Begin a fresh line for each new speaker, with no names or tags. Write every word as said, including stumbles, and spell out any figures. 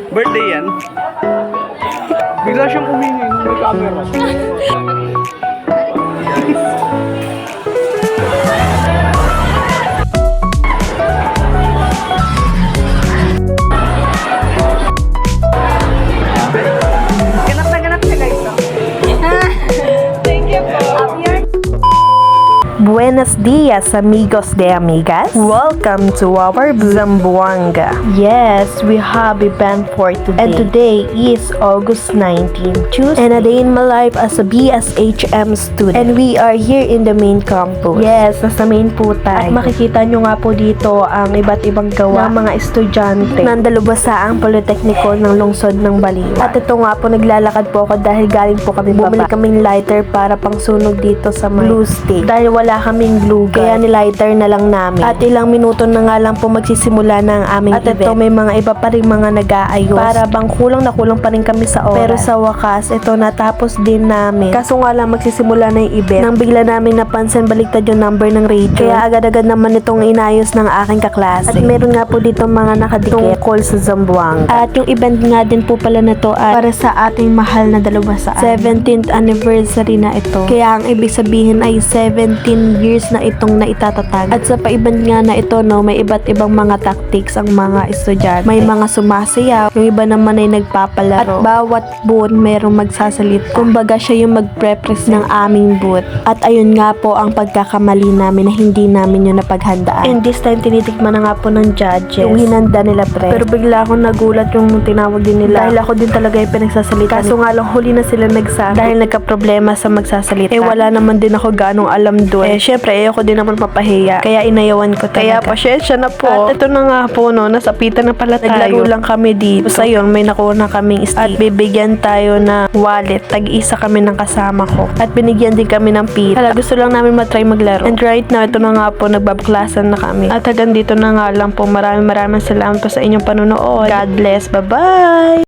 Birthday yan. Bigla siyang umingi nung may camera.
Ganap na ganap siya guys. Thank you po.
Buenos dias, amigos de amigas. Welcome to our Zamboanga. Yes, we have event for today. And today is August nineteenth, Tuesday. And a day in my life as a B S H M student. And we are here in the main campus. Yes, nasa main po tayo. At makikita nyo nga po dito ang iba't ibang gawa ng mga estudyante ng Dalubasaang Politekniko ng lungsod ng Baliwa. At ito nga po, naglalakad po ako dahil galing po kami bumili kaming lighter para pang sunog dito sa may glue stick. Dahil wala kaming glue gun, kaya nilighter na lang namin. At ilang minuto na nga lang po magsisimula na ang aming At event. At ito may mga iba pa rin mga nag-aayos. Para bang kulang na kulang pa rin kami sa oras. Pero sa wakas, ito natapos din namin. Kaso nga lang magsisimula na yung event. Nang bigla namin napansin baliktad yung number ng radio. Kaya agad-agad naman itong inayos ng aking kaklase. At meron nga po dito mga nakadikit call sa Zamboanga. At yung event nga din po pala na to ay para sa ating mahal na Dalubasaan. seventeenth anniversary na ito. Kaya ang ibig sabihin ay seventeen years na itong naitatatag. At sa paiban nga na ito, no, may iba't ibang mga tactics ang mga estudyante. May mga sumasayaw, yung iba naman ay nagpapalaro. At bawat booth mayroong magsasalita. Kumbaga siya yung magpre-press ng aming booth. At ayun nga po ang pagkakamali namin na hindi namin yung napaghandaan. And this time, tinitikman na nga po ng judges yung hinanda nila pre. Pero bigla akong nagulat yung tinawag din nila. Dahil ako din talaga yung pinagsasalita. Kaso nga lang huli na sila nagsabi. Dahil nagka-problema sa magsasalita. Eh wala naman din ako ganong alam doon. Eh syempre, ayoko din naman mapahiya. Kaya inayawan ko talaga. Kaya pasensya na po. At ito na nga po, no, nasapitan na pala tayo. Naglaro lang kami dito. Basta yun, may nakuha na kaming stick. At bibigyan tayo na wallet. Tag-isa kami ng kasama ko. At binigyan din kami ng pita. Hala, gusto lang namin matry maglaro. And right now, ito na nga po, nagbabaklasan na kami. At hanggang dito na nga lang po. Maraming maraming salamat po sa inyong panonood. God bless. Bye-bye!